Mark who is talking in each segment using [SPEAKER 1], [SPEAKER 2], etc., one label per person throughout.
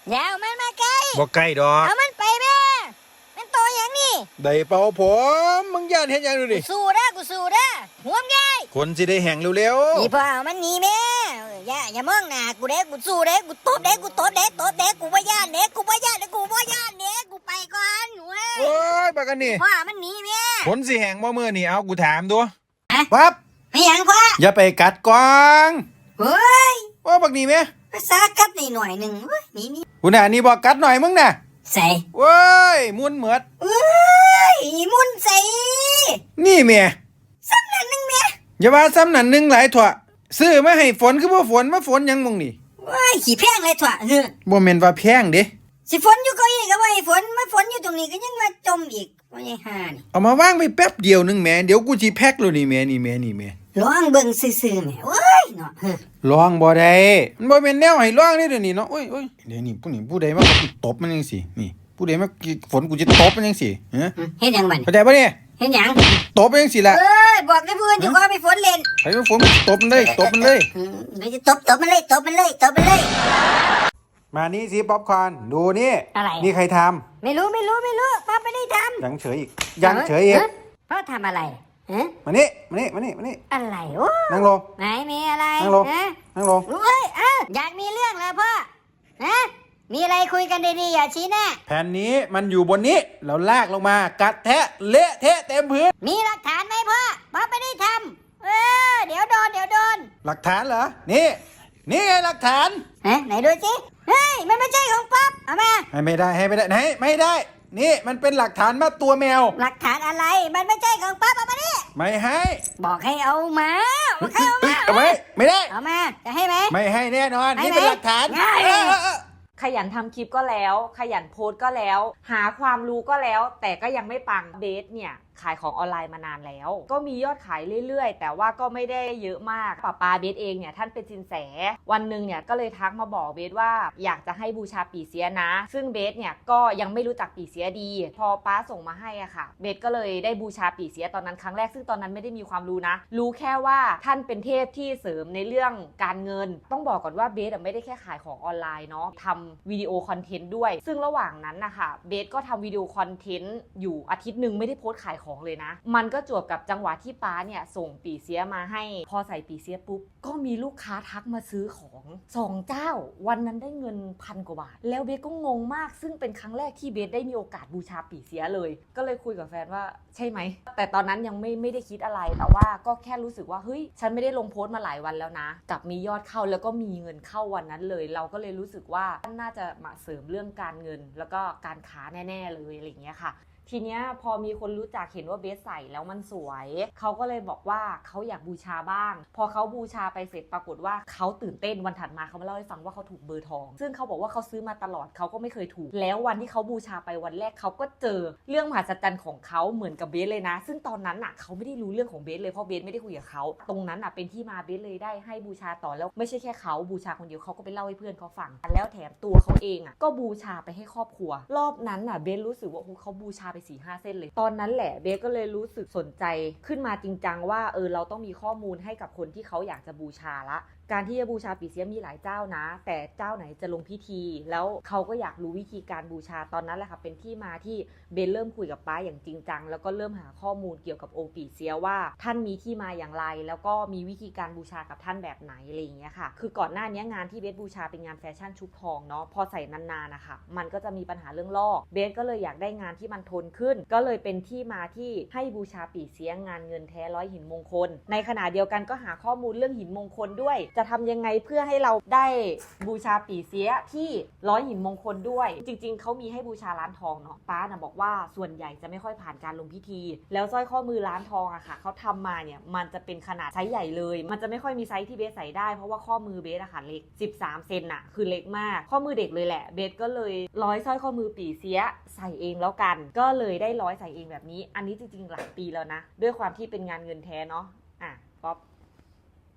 [SPEAKER 1] อย่าเอามันมาใกล้
[SPEAKER 2] บ่ใกล้ดอก
[SPEAKER 1] เอามันไปแม่มันโตอย่างนี้
[SPEAKER 2] ได้เป่าผมมึงย่านเฮ็ดหยังดูดิ
[SPEAKER 1] สู้เด้อกูสู้เด้อห่วงใย
[SPEAKER 2] คนสิได้แห้งเร็ว
[SPEAKER 1] นี่พ่อเอามันหนีแม่อย่ามองหน้ากูเด้กูสู้เด้กูตบเด้กูตบเด้ตบเด้กูบ่ย่านเด้กูบ่ย่านเด้กูบ่ย่านเด้กูไปก่อนหนูเอ้ย
[SPEAKER 2] โอ้ยบักอันนี้
[SPEAKER 1] พ่อมันหนีแม่
[SPEAKER 2] คนสิแห้งบ่มื้อนี่เอากูถามดู
[SPEAKER 1] ปั๊
[SPEAKER 2] ปั๊บ
[SPEAKER 1] ไม่หยังพ่อ
[SPEAKER 2] อย่าไปกัดกวาง
[SPEAKER 1] เฮ้ย
[SPEAKER 2] ว่าบักนี่แม่
[SPEAKER 1] ภาษากัดนี่หน่อยนึงเว้ยนี่
[SPEAKER 2] กูน่ะนี่บ่กัดหน่อยมึงน่ะ
[SPEAKER 1] ใส่
[SPEAKER 2] เว้ยมุนเหมือด
[SPEAKER 1] เอ้ยมุนใส่
[SPEAKER 2] นี่แม่
[SPEAKER 1] ซ้ำนั่นนึงแม่
[SPEAKER 2] อย่าว่าซ้ำนั่นนึงหลายถั่วซื้อมาให้ฝนคือบ่ฝนมาฝนหยังมึงนี่
[SPEAKER 1] ว้ายขี้แพงเลยถั่ว
[SPEAKER 2] บ่แม่นว่าแพงเด้
[SPEAKER 1] สิฝนอยู่เก้าอี้ก็ว่าให้ฝนมาฝนอยู่ตรงนี้ก็ยังมาจมอีกว่าไงห่านี่
[SPEAKER 2] เอามาวางไว้แป๊บเดียวนึงแม่เดี๋ยวกูสิแพ็คแล้วนี่แม่นี่แม่นี่แม่
[SPEAKER 1] ลองเบิ่งซื่อๆแม่โอ้ยเนาะ
[SPEAKER 2] ลองบ่ได้มันบ่แม่นแนวให้ลองนี่เดี๋ยวนี้เนาะโอ้ยเดี๋ยวนี้ผู้ใดมาตบมันจังซี่นี่ผู้ใดมาฝนกูจะตบมันจังซี่ฮะ
[SPEAKER 1] เฮ็ดหยังบัด
[SPEAKER 2] เข้าใจบ่เนี่ย
[SPEAKER 1] เฮ็ดหยัง
[SPEAKER 2] ตบมันจังซี่ล่ะ
[SPEAKER 1] เอ้ยบอกให้เพื่อนอยู่ว่าไปฝนเล่น
[SPEAKER 2] ให้มันฝนตบมันเลยตบมันเลย
[SPEAKER 1] เดี๋ยวจะตบมันเลยตบมันเลย
[SPEAKER 2] มานี่สิป๊อปคอร์นดูนี่
[SPEAKER 1] อะไร
[SPEAKER 2] นี่ใครทำ
[SPEAKER 1] ไม่รู้ป้าไม่ได้ทำ
[SPEAKER 2] ยังเฉยอีกยังเฉยอีก
[SPEAKER 1] พ่อทำอะไรฮะ
[SPEAKER 2] มานี่
[SPEAKER 1] อะไรโอ้
[SPEAKER 2] นั่งลง
[SPEAKER 1] ไหนมีอะไร
[SPEAKER 2] นั่งลงนั่งลง
[SPEAKER 1] เอ้ยอยากมีเรื่องเหรอพ่อฮะมีอะไรคุยกันดีๆอย่าชี้หน้า
[SPEAKER 2] แผ่นนี้มันอยู่บนนี้เราลากลงมากัดแทะเละเทะเต็มพื้น
[SPEAKER 1] มีหลักฐานไหมพ่อไม่ได้ทำเดี๋ยวโดน
[SPEAKER 2] หลักฐานเหรอนี่ไงหลักฐาน
[SPEAKER 1] ไหนดูสิเฮ้ยมันไม่ใช่ของป๊อปเอามา
[SPEAKER 2] ให้ไม่ได้ไหนไม่ได้นี่มันเป็นหลักฐานมาตัวแมว
[SPEAKER 1] หลักฐานอะไรมันไม่ใช่ของป๊อปเอามาดิ
[SPEAKER 2] ไม่ให้
[SPEAKER 1] บอกให้เอามา
[SPEAKER 2] เอาไม่ได้
[SPEAKER 1] เอามาจะให้ไหม
[SPEAKER 2] ไม่ให้แน่นอนนี่เป็นหลักฐาน
[SPEAKER 3] ขยันทำคลิปก็แล้วขยันโพสต์ก็แล้วหาความรู้ก็แล้วแต่ก็ยังไม่ปังเบสเนี่ยขายของออนไลน์มานานแล้วก็มียอดขายเรื่อยๆแต่ว่าก็ไม่ได้เยอะมากป้าเบสเองเนี่ยท่านเป็นสินแสวันหนึ่งเนี่ยก็เลยทักมาบอกเบสว่าอยากจะให้บูชาปี่เสียนะซึ่งเบสเนี่ยก็ยังไม่รู้จักปี่เสียดีพอป้าส่งมาให้อ่ะค่ะเบสก็เลยได้บูชาปี่เสียตอนนั้นครั้งแรกซึ่งตอนนั้นไม่ได้มีความรู้นะรู้แค่ว่าท่านเป็นเทพที่เสริมในเรื่องการเงินต้องบอกก่อนว่าเบสไม่ได้แค่ขายของออนไลน์เนาะทำวิดีโอคอนเทนต์ด้วยซึ่งระหว่างนั้นนะคะเบสก็ทำวิดีโอคอนเทนต์อยู่อาทิตย์นึงไม่ได้โพสต์ขายของเลยนะมันก็จวบกับจังหวะที่ป้าเนี่ยส่งปี่เสียมาให้พอใส่ปี่เสียปุ๊บก็มีลูกค้าทักมาซื้อของ2เจ้าวันนั้นได้เงิน1,000 กว่าบาทแล้วเบสก็งงมากซึ่งเป็นครั้งแรกที่เบสได้มีโอกาสบูชาปี่เสียเลยก็เลยคุยกับแฟนว่าใช่ไหมแต่ตอนนั้นยังไม่ได้คิดอะไรแต่ว่าก็แค่รู้สึกว่าเฮ้ยฉันไม่ได้ลงโพสต์มาหลายวันแล้วนะกลับมียอดเข้าแล้วก็มีเงินเข้าวันนั้นเลยเราก็เลยรู้สึกว่าน่าจะมาเสริมเรื่องการเงินแล้วก็การค้าแน่ๆเลยอะไรอย่างเงี้ยค่ะทีเนี้ยพอมีคนรู้จักเห็นว่าเบสใส่แล้วมันสวยเขาก็เลยบอกว่าเขาอยากบูชาบ้างพอเขาบูชาไปเสร็จปรากฏว่าเขาตื่นเต้นวันถัดมาเขามาเล่าให้ฟังว่าเขาถูกเบอร์ทองซึ่งเขาบอกว่าเขาซื้อมาตลอดเขาก็ไม่เคยถูกแล้ววันที่เขาบูชาไปวันแรกเขาก็เจอเรื่องมหัศจรรย์ของเขาเหมือนกับเบสเลยนะซึ่งตอนนั้นน่ะเขาไม่ได้รู้เรื่องของเบสเลยเพราะเบสไม่ได้คุยกับเขาตรงนั้นน่ะเป็นที่มาเบสเลยได้ให้บูชาต่อแล้วไม่ใช่แค่เขาบูชาคนเดียวเขาก็ไปเล่าให้เพื่อนเขาฟังแล้วแถมตัวเขาเองอ่ะก็บูชาไปให้ครอบครัวรอบนั้นน่ะเบสรู้สึกว่าเขาบูชาไป 4-5 เส้นเลยตอนนั้นแหละเบสก็เลยรู้สึกสนใจขึ้นมาจริงจังว่าเราต้องมีข้อมูลให้กับคนที่เขาอยากจะบูชาละการที่จะบูชาปี่เสียมีหลายเจ้านะแต่เจ้าไหนจะลงพิธีแล้วเขาก็อยากรู้วิธีการบูชาตอนนั้นแหละค่ะเป็นที่มาที่เบสเริ่มคุยกับป้าอย่างจริงจังแล้วก็เริ่มหาข้อมูลเกี่ยวกับองค์ปี่เสียว่าท่านมีที่มาอย่างไรแล้วก็มีวิธีการบูชากับท่านแบบไหนอะไรอย่างเงี้ยค่ะคือก่อนหน้านี้งานที่เบสบูชาเป็นงานแฟชั่นชุบทองเนาะพอใส่นานๆนะคะมันก็จะมีปัญหาเรื่องลอกเบสก็เลยอยากได้งานที่มันทนขึ้นก็เลยเป็นที่มาที่ให้บูชาปี่เสียงานเงินแท้100หินมงคลในขณะเดียวกันก็หาข้อมูลเรื่องหินมงคลด้วยจะทำยังไงเพื่อให้เราได้บูชาปี่เสียที่100หินมงคลด้วยจริงๆเขามีให้บูชาร้านทองเนาะป้าน่ะบอกว่าส่วนใหญ่จะไม่ค่อยผ่านการลงพิธีแล้วสร้อยข้อมือร้านทองอะค่ะเขาทำมาเนี่ยมันจะเป็นขนาดไซส์ใหญ่เลยมันจะไม่ค่อยมีไซส์ที่เบสใส่ได้เพราะว่าข้อมือเบสอะค่ะเล็ก13 เซนอะคือเล็กมากข้อมือเด็กเลยแหละเบสก็เลยร้อยสร้อยข้อมือปี่เสียใส่เองแล้วกันก็เลยได้ร้อยใส่เองแบบนี้อันนี้จริงๆหลายปีแล้วนะด้วยความที่เป็นงานเงินแท้เนาะป๊อป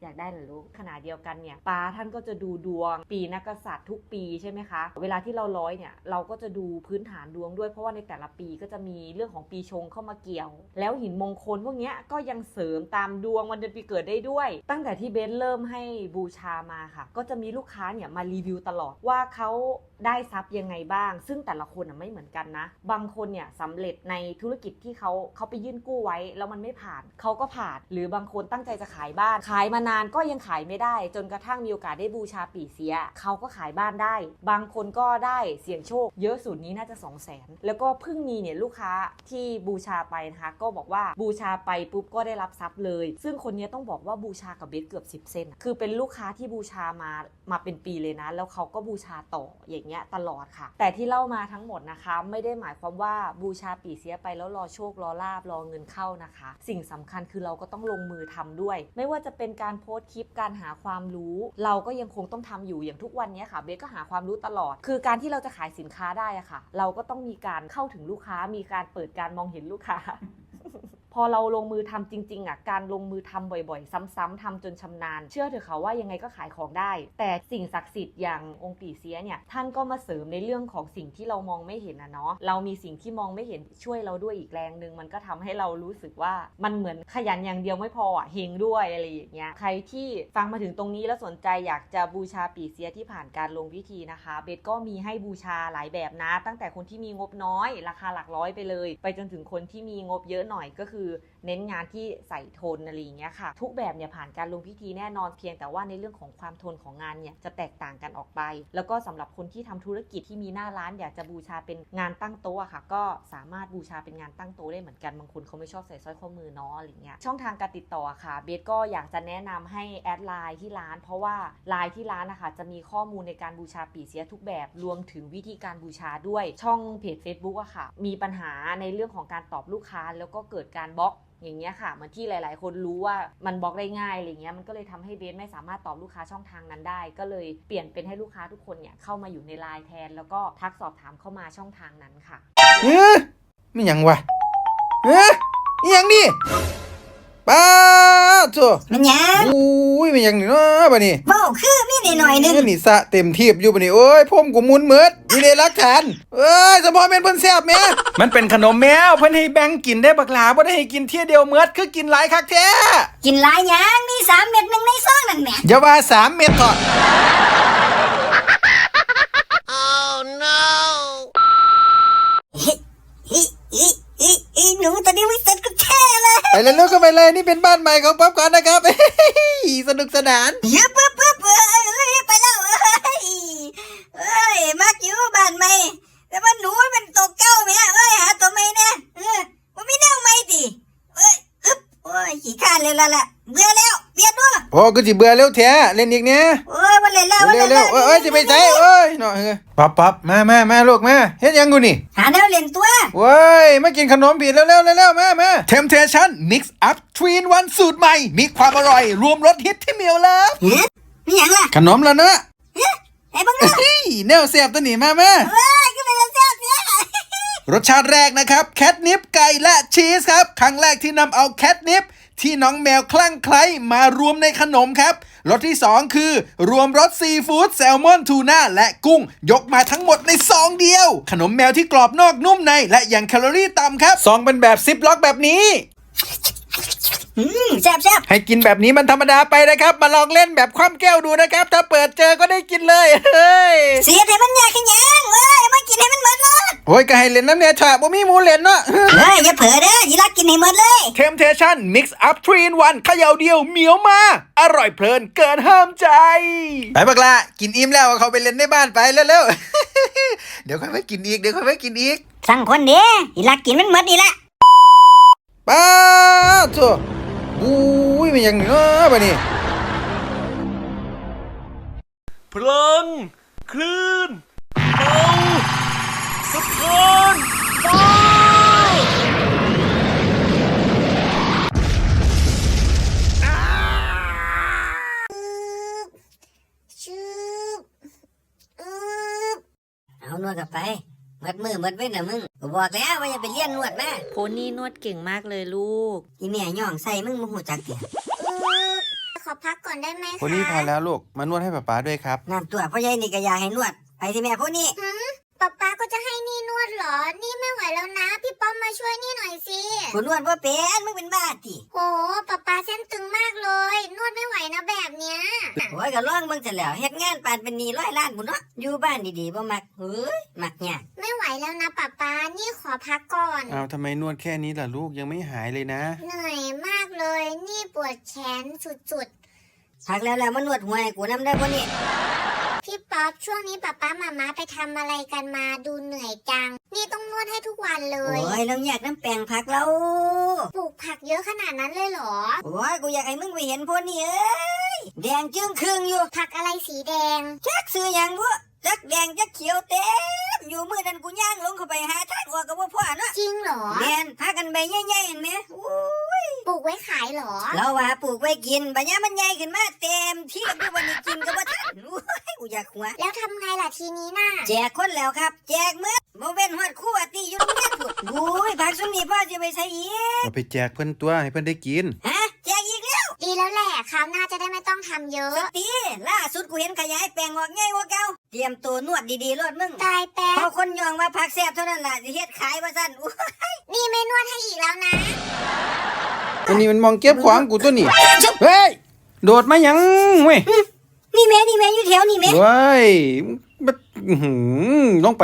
[SPEAKER 3] อยากได้เหรอลูกขณะเดียวกันเนี่ยป้าท่านก็จะดูดวงปีนักกษัตริย์ทุกปีใช่ไหมคะเวลาที่เราร้อยเนี่ยเราก็จะดูพื้นฐานดวงด้วยเพราะว่าในแต่ละปีก็จะมีเรื่องของปีชงเข้ามาเกี่ยวแล้วหินมงคลพวกเนี้ยก็ยังเสริมตามดวงวันเดือนปีเกิดได้ด้วยตั้งแต่ที่เบสเริ่มให้บูชามาค่ะก็จะมีลูกค้าเนี่ยมารีวิวตลอดว่าเขาได้ทรัพย์ยังไงบ้างซึ่งแต่ละคนไม่เหมือนกันนะบางคนเนี่ยสำเร็จในธุรกิจที่เขาไปยื่นกู้ไว้แล้วมันไม่ผ่านเขาก็ผ่านหรือบางคนตั้งใจจะขายบ้านขายมานานก็ยังขายไม่ได้จนกระทั่งมีโอกาสได้บูชาปี่เสียเขาก็ขายบ้านได้บางคนก็ได้เสี่ยงโชคเยอะสุดนี้น่าจะ 200,000 แล้วก็เพิ่งมีเนี่ยลูกค้าที่บูชาไปนะคะก็บอกว่าบูชาไปปุ๊บก็ได้รับทรัพย์เลยซึ่งคนนี้ต้องบอกว่าบูชากับเบสเกือบ10 เซนคือเป็นลูกค้าที่บูชามาเป็นปีเลยนะแล้วเขาก็บูชาต่ออย่างเงี้ยตลอดค่ะแต่ที่เล่ามาทั้งหมดนะคะไม่ได้หมายความว่าบูชาปี่เสียไปแล้วรอโชครอลาบรอเงินเข้านะคะสิ่งสำคัญคือเราก็ต้องลงมือทำด้วยไม่ว่าจะเป็นการโพสต์คลิปการหาความรู้เราก็ยังคงต้องทำอยู่อย่างทุกวันนี้ค่ะเบสก็หาความรู้ตลอดคือการที่เราจะขายสินค้าได้อะค่ะเราก็ต้องมีการเข้าถึงลูกค้ามีการเปิดการมองเห็นลูกค้า พอเราลงมือทำจริงๆอ่ะการลงมือทำบ่อยๆซ้ำๆทำจนชำนาญเชื่อเถอะค่ะว่ายังไงก็ขายของได้แต่สิ่งศักดิ์สิทธิ์อย่างองค์ปี่เสียเนี่ยท่านก็มาเสริมในเรื่องของสิ่งที่เรามองไม่เห็นนะเนาะเรามีสิ่งที่มองไม่เห็นช่วยเราด้วยอีกแรงนึงมันก็ทำให้เรารู้สึกว่ามันเหมือนขยันอย่างเดียวไม่พออ่ะเฮงด้วยอะไรอย่างเงี้ยใครที่ฟังมาถึงตรงนี้แล้วสนใจอยากจะบูชาปี่เสียที่ผ่านการลงพิธีนะคะเบสก็มีให้บูชาหลายแบบนะตั้งแต่คนที่มีงบน้อยราคาหลักร้อยไปเลยไปจนถึงคนที่มีงบเยอะหน่อยก็คือเน้นงานที่ใส่ทนอะไรอย่างเงี้ยค่ะทุกแบบเนี่ยผ่านการลงพิธีแน่นอนเพียงแต่ว่าในเรื่องของความทนของงานเนี่ยจะแตกต่างกันออกไปแล้วก็สำหรับคนที่ทำธุรกิจที่มีหน้าร้านอยากจะบูชาเป็นงานตั้งโต๊ะค่ะก็สามารถบูชาเป็นงานตั้งโต๊ะได้เหมือนกันบางคนเขาไม่ชอบใส่สร้อยข้อมือเนาะอะไรเงี้ยช่องทางการติดต่อค่ะเบสก็อยากจะแนะนำให้แอดไลน์ที่ร้านเพราะว่าไลน์ที่ร้านนะคะจะมีข้อมูลในการบูชาปี่เสียทุกแบบรวมถึงวิธีการบูชาด้วยช่องเพจ Facebook อะค่ะมีปัญหาในเรื่องของการตอบลูกค้าแล้วก็เกิดการบล็อกอย่างเงี้ยค่ะเหมือนที่หลายๆคนรู้ว่ามันบล็อกได้ง่ายอะไรเงี้ยมันก็เลยทำให้เบสไม่สามารถตอบลูกค้าช่องทางนั้นได้ก็เลยเปลี่ยนเป็นให้ลูกค้าทุกคนเนี่ยเข้ามาอยู่ในไลน์แทนแล้วก็ทักสอบถามเข้ามาช่องทางนั้นค่ะ
[SPEAKER 2] ไม่หยังวะอีหยังนี่ป้าโธ่
[SPEAKER 1] มันหยัง
[SPEAKER 2] อุ้ยไม่หยังนี่เนาะบัดนี้
[SPEAKER 1] เว้าคือมีนิดหน่อยนึง
[SPEAKER 2] นี่สะเต็มทีบอยู่บัดนี้โอ้ยผมกูมุนเมิดนี่ได้หลักฐานสมพอแม่นเพิ่นแซ่บแม่มันเป็นขนมแมวเพิ่นให้แบ่งกินได้บักหลาบ่ได้ให้กินเที่ยเดียวเมิดคือกินหลายคักแท้
[SPEAKER 1] กินหลายหยังมี3 เม็ดนึงในซองนั่นแหม
[SPEAKER 2] อย่าว่า3 เม็ดเถอะ
[SPEAKER 1] หนูตอนนี้วิเศษก็แท้เลย
[SPEAKER 2] ไปเลยลูกก็ไปเลยนี่เป็นบ้านใหม่ของป๊อปก่อนนะครับสนุกสนาน
[SPEAKER 1] ปึ๊บไปแล้วมักอยู่บ้านใหม่แต่ว่าหนูมันตัวเก่าแม่หาตัวใหม่แน่มันไม่แนวใหม่ติขี้ข้านเลยล่ะเบื่อแล้วเปลี่ยนด้วย
[SPEAKER 2] โอ้ก็สิเบื่อเร็วแท้เล่นอีกเนี่ย
[SPEAKER 1] มาเล่นแล้ว
[SPEAKER 2] เร็วจะไปใส่เนาะป๊อปมาลูกมาเฮ็ดยังกูนี่
[SPEAKER 1] หาแนวเล่นตัว
[SPEAKER 2] เว้ยมากินขนมผิดเร็วมา Temptation Mix Up 3 in 1 สูตรใหม่มีความอร่อยรวมรสฮิตที่เมียวเลิฟ
[SPEAKER 1] นี่หยังล่ะ
[SPEAKER 2] ขนมแล้วเนอะ
[SPEAKER 1] ไอ้บังเนาะ
[SPEAKER 2] แนวแซ่บตัวนี้มา
[SPEAKER 1] ก็เป็นแซ่บเนี่ย
[SPEAKER 2] รสชาติแรกนะครับแคทนิปไก่และชีสครับครั้งแรกที่นำเอาแคทนิปที่น้องแมวคลั่งไคล้มารวมในขนมครับรสที่2คือรวมรสซีฟู้ดแซลมอนทูน่าและกุ้งยกมาทั้งหมดในซองเดียวขนมแมวที่กรอบนอกนุ่มในและยังแคลอรี่ต่ำครับซองเป็นแบบซิปล็อกแบบนี้
[SPEAKER 1] แซ่บ
[SPEAKER 2] ให้กินแบบนี้มันธรรมดาไปนะครับมาลองเล่นแบบคว่ำแก้วดูนะครับถ้าเปิดเจอก็ได้กินเลย
[SPEAKER 1] เสียให้มันยากขึ้นยังมากินให้มันหมดเลย
[SPEAKER 2] โอ้ยก็ให้เล่นน้ำเนี่ยฉะบ่มีหมูเล่นเนาะ
[SPEAKER 1] อย่าเผลอเด้ออย่าลักกินให้หมดเลย
[SPEAKER 2] Temptation Mix Up 3 in 1เขย่าเดียวเหมียวมาอร่อยเพลินเกินห้ามใจไปบักละกินอิ่มแล้วเขาไปเล่นในบ้านไปเร็วๆเดี๋ยวค่อยไปกินอีก
[SPEAKER 1] สั่งคนเด้อย่าลักกินมันหมดนี่แหละ
[SPEAKER 2] ป้าโธ่อุ้ยมันยังเนาะบัดนี้
[SPEAKER 4] พลังคลื่นเอาสะท้อนฟ้า
[SPEAKER 1] เอานวดกลับไปมัดมือมัดเว้นนะมึงบอกแล้วว่าอย่าไปเลี้ยนนวดนะ
[SPEAKER 3] โพนี่นวดเก่งมากเลยลูก
[SPEAKER 1] อีแม่ย่องใส่มึงบ่ฮู้จักเตี่ย
[SPEAKER 5] ขออพักก่อนได้ไหมคะ
[SPEAKER 2] พวกนี้พอแล้วลูกมานวดให้ป๊าด้วยครับ
[SPEAKER 1] น้ำตัวพ่อใหญ่นี่ก็อยากให้นวดไปที่แม่พวกนี้
[SPEAKER 5] ป๊าก็จะให้นี่นวดเหรอ นี่ไม่ไหวแล้วนะ พี่ป๊อปมาช่วยนี่หน่อยสิ
[SPEAKER 1] กูนวดว่าเป็นมึงเป็นบ้าติ
[SPEAKER 5] โหป๊าเส้นตึงมากเลย นวดไม่ไหวนะแบบเนี้ย
[SPEAKER 1] โอ้ยก็ร้องมึงเสร็จแล้วเฮ็ดงานปานเป็นหนี้100 ล้านบุญเนาะอยู่บ้านดีๆบ่มักเฮ้ยมักยาก
[SPEAKER 5] ไม่ไหวแล้วนะป๊านี่ขอพักก่อน
[SPEAKER 2] อ้าวทำไมนวดแค่นี้ล่ะลูกยังไม่หายเลยนะ
[SPEAKER 5] เหนื่อยมากเลย นี่ปวดแขนสุด
[SPEAKER 1] พักแล้วมานวดหัวให้กูนำได้บ่นี่
[SPEAKER 5] ๆ พี่ป๊อปช่วงนี้ป๊ามาม่าไปทำอะไรกันมาดูเหนื่อยจัง นี่ต้องนวดให้ทุกวันเล
[SPEAKER 1] โอ้
[SPEAKER 5] ย
[SPEAKER 1] ยเราอยากน้ำแปลงผักเรา
[SPEAKER 5] ปลูกผักเยอะขนาดนั้นเลยเหรอ
[SPEAKER 1] โอ้ยกูอยากให้มึงไปเห็นพวกนี้เอ้ยแดงจึ้งครึ่งอยู่
[SPEAKER 5] ผักอะไรสีแดง
[SPEAKER 1] จักซื้อหยังบ่จักแดงจักเขียวเต็มอยู่มื้อนั้นกูย่างลงเข้าไปหาทางออกก็บ่พอเนาะ
[SPEAKER 5] จริงเหรอ
[SPEAKER 1] แม่นพากันใบใหญ่ๆเห็นไหมโอ้ย
[SPEAKER 5] ปลูกไว้ขายเหรอ
[SPEAKER 1] เราว่าปลูกไว้กินบัดนี้มันใหญ่ขึ้นมาเต็มที่อยู่วันนี้กินก็บ่ทันโอ้ยกูอยากหัว
[SPEAKER 5] แล้วทำไงล่ะทีนี้น่ะ
[SPEAKER 1] แจกคนแล้วครับ แจกมื้อบ่เว้นฮอดครู่อาติอยู่โรงเรียนพุ่นโอ้ยผักซุมนี้พ่อสิไปใส่อีก
[SPEAKER 2] เอาไปแจกเพื่อนตัวให้เพื่อนได้กิน
[SPEAKER 1] ฮะแจกอีกแล้ว
[SPEAKER 5] ดีแล้วแหละคราวหน้าจะได้ไม่ต้องทำเยอะ
[SPEAKER 1] สตีล่าสุดกูเห็นขยายแปลงออกง่ายกว่าเก่าเตรียมตัวนวดดีๆรอดมึง
[SPEAKER 5] ตายแป๊
[SPEAKER 1] พอบ คนยองว่าผักแซ่บเท่านั้นล่ะสิเฮ็ดขายว่าซั่นอู้
[SPEAKER 5] นี่ไม่นวดให้อีกแล้วนะ
[SPEAKER 2] อันนี้มันมองเก็บของกูตัวนี่เฮ้ยโดดมาหยังเว้ย
[SPEAKER 1] นี่แม่อยู่แถวนี่แม่
[SPEAKER 2] เว้ยมันอื้อหือลงไป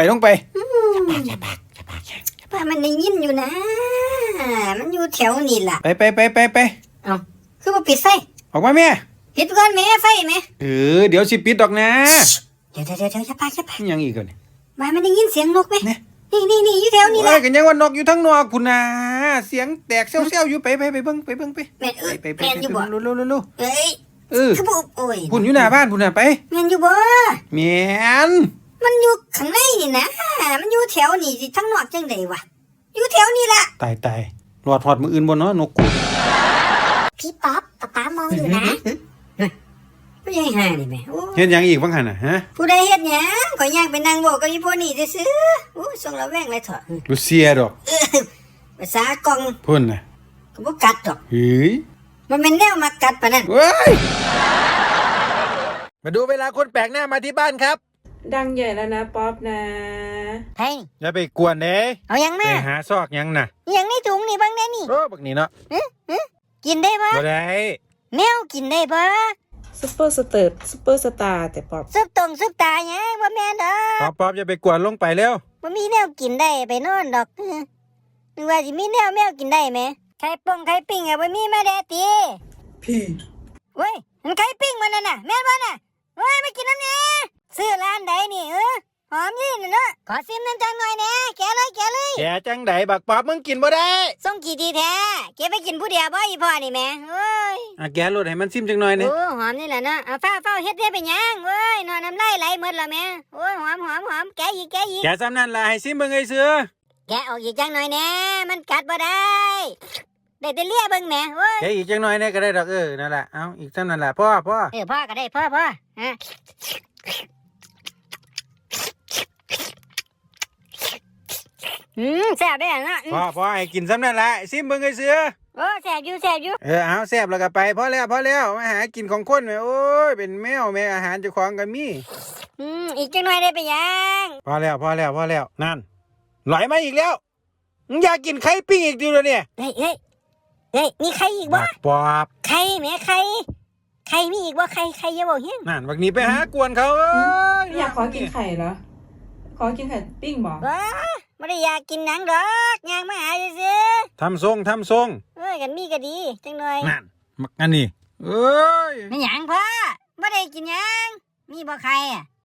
[SPEAKER 1] ป้ามันได้ยินอยู่นะ มันอยู่แถวนี่ล่ะ
[SPEAKER 2] ไป
[SPEAKER 1] เอ้าคือบ่ปิดไฟ
[SPEAKER 2] ออกมาแม่
[SPEAKER 1] ปิดก่อนแม่ไฟแม่
[SPEAKER 2] เดี๋ยวสิปิดดอกนะ
[SPEAKER 1] เดี๋ยวอย่าปาก
[SPEAKER 2] อิหยังอีกก่อนนี่
[SPEAKER 1] บ้านมันได้ยินเสียงนกไหม
[SPEAKER 2] เนี่ย
[SPEAKER 1] นี่อยู่แถวนี่
[SPEAKER 2] โอ้
[SPEAKER 1] ล่ะ
[SPEAKER 2] ยกันยังว่านกอยู่ทั้งนอกพุ่นน่ะเสียงแตกเซี่ยวๆอยู่ไปเบิ่งไป
[SPEAKER 1] แม่น
[SPEAKER 2] ไป
[SPEAKER 1] แม่นอยู่บ่
[SPEAKER 2] เร็ว
[SPEAKER 1] เอ้ย
[SPEAKER 2] ๆเออ
[SPEAKER 1] คือบ่โอ้ย
[SPEAKER 2] พุ่นอยู่หน้าบ้านพุ่นน่ะไป
[SPEAKER 1] แม่นอยู่บ่
[SPEAKER 2] แม่น
[SPEAKER 1] มันอยู่ข้างในนี่นะ มันอยู่แถวนี่สิทั้งนอกจังได๋วะอยู่แถวนี่ล่ะ
[SPEAKER 2] ตายรอดหอดมืออื่นบ่เนาะนกกู
[SPEAKER 5] พี่ป๊อปป๊ามองอยู่นะ
[SPEAKER 1] ผู้ใหญ่ห่านี่แม่โอ้
[SPEAKER 2] เฮ็ดหยังอีกบ้างหั่นน่ะฮะ
[SPEAKER 1] ผู้ใดเฮ็ดหยังก็ย่างไปนั่งโบกกับอีพวกนี้ซื่อๆโอ้ส่งระแวงเลยเถอะ
[SPEAKER 2] ลูเซียดอก
[SPEAKER 1] ภาษากล่อง
[SPEAKER 2] พุ่นน่ะ
[SPEAKER 1] ก็บ่กัดดอก
[SPEAKER 2] เฮ้ย
[SPEAKER 1] มันเป็นแนวมากัดปานนั้น
[SPEAKER 2] เว้ยมาดูเวลาคนแปลกหน้ามาที่บ้านครับ
[SPEAKER 6] ดังใหญ่แล้วนะป๊อปนะ
[SPEAKER 1] เฮ้ย
[SPEAKER 2] อย่าไปกวนเด้
[SPEAKER 1] เอาหยัง
[SPEAKER 2] ไป
[SPEAKER 1] มา
[SPEAKER 2] หาซอกหยังน่ะ
[SPEAKER 1] อหยังในถุงนี่เบิ่งแน่นี่
[SPEAKER 2] โอ้บักนี้เนาะ
[SPEAKER 1] กินได้บ่
[SPEAKER 2] บ่ได้
[SPEAKER 1] แมวกินได้บ่
[SPEAKER 6] ซุปเปอร์สเติร์ดซุปเปอร์สตาร์แต่ป๊อป
[SPEAKER 1] ซุปตรงซุปตาหยังบ่แม่นดอก
[SPEAKER 2] ป๊อปอย่าไปกวนลงไปแล้ว
[SPEAKER 1] บ่มีแนวกินได้ไปนอนดอกนึกว่าสิมีแนวแมวกินได้แหมไข่ปงไข่ปิ้งอะบ่มีมาแดติ
[SPEAKER 6] พี่
[SPEAKER 1] เว้ยมันไข่ปิ้งมันนั่นน่ะแม่นบ่น่ะเว้ยมากินน้ำแหน่ซื้อร้านใดนี่หอมนี่น่ะเนาะขอซิมน้ำจังหน่อยแหน่แกะเลย
[SPEAKER 2] แกจังไดบักป๊อปมึงกินบ่ได้
[SPEAKER 1] ส่งกี่ทีแท้เก็บไปกินผู้เดียวบ่อีพ่อนี่แหม่เอ้ย
[SPEAKER 2] อ่ะแกรถให้มันซิมจังหน่อยนี่
[SPEAKER 1] โอ้หอมนี่แหละเนาะเอาฟ้าเฮ็ดได้เป็นหยังเว้ยนอนน้ำลายไหลหมดแล้วแหม่โอ้ยหอมแกะอีก
[SPEAKER 2] แกซ้ำนั่นล่ะให้ซิมเบิ่งไอ้เสือ
[SPEAKER 1] แกะออกอีกจังหน่อยแหน่มันกัดบ่ได้ได้แต่เลียเบิ่งแหม่เว้ย
[SPEAKER 2] แกอีกจังหน่อยนี่ก็ได้ดอกนั่นล่ะเอาอีกซ้ำนั่นล่ะพ่อ
[SPEAKER 1] พ่อก็ได้พ่อฮะแซ่บได้นะ
[SPEAKER 2] พ่อให้กินซ้ำนั่นล่ะซิมเบิ่งไอ้เสือ
[SPEAKER 1] โอ้แซ่บอยู่
[SPEAKER 2] เอาแซ่บแล้วก็ไปพอแล้วมาหากินของคนแม่โอ้ยเป็นแมวแม่อาหารเจ้าของก็มี
[SPEAKER 1] อีกจังหน่อยได้ไปยัง
[SPEAKER 2] พอแล้วนั่นไหลมาอีกแล้วมึงอยากกินไข่ปิ้งอีกดิวเนี่ย
[SPEAKER 1] เฮ้ยมีใครอีกบ่
[SPEAKER 2] บักปอบ
[SPEAKER 1] ใครแหม่ใครมีอีกบ่ใครอย่าบอกเฮียง
[SPEAKER 2] นั่นบักนี้ไปหากวนเขา
[SPEAKER 6] ไม่อยากขอกินไข่เหรอ ขอกินไข่ปิ้งบอก
[SPEAKER 1] บ่ไม่ได้อยากกินหนังดอกย่างมาหาซื่อ
[SPEAKER 2] ทำทรง
[SPEAKER 1] เอ้ยกันมีก็ดีจังหน่อย
[SPEAKER 2] นั่นมักอันนี้เอ้ย
[SPEAKER 1] ไม่หยังพ่อไม่ได้กินหยังมีบ่ใครอ่ะ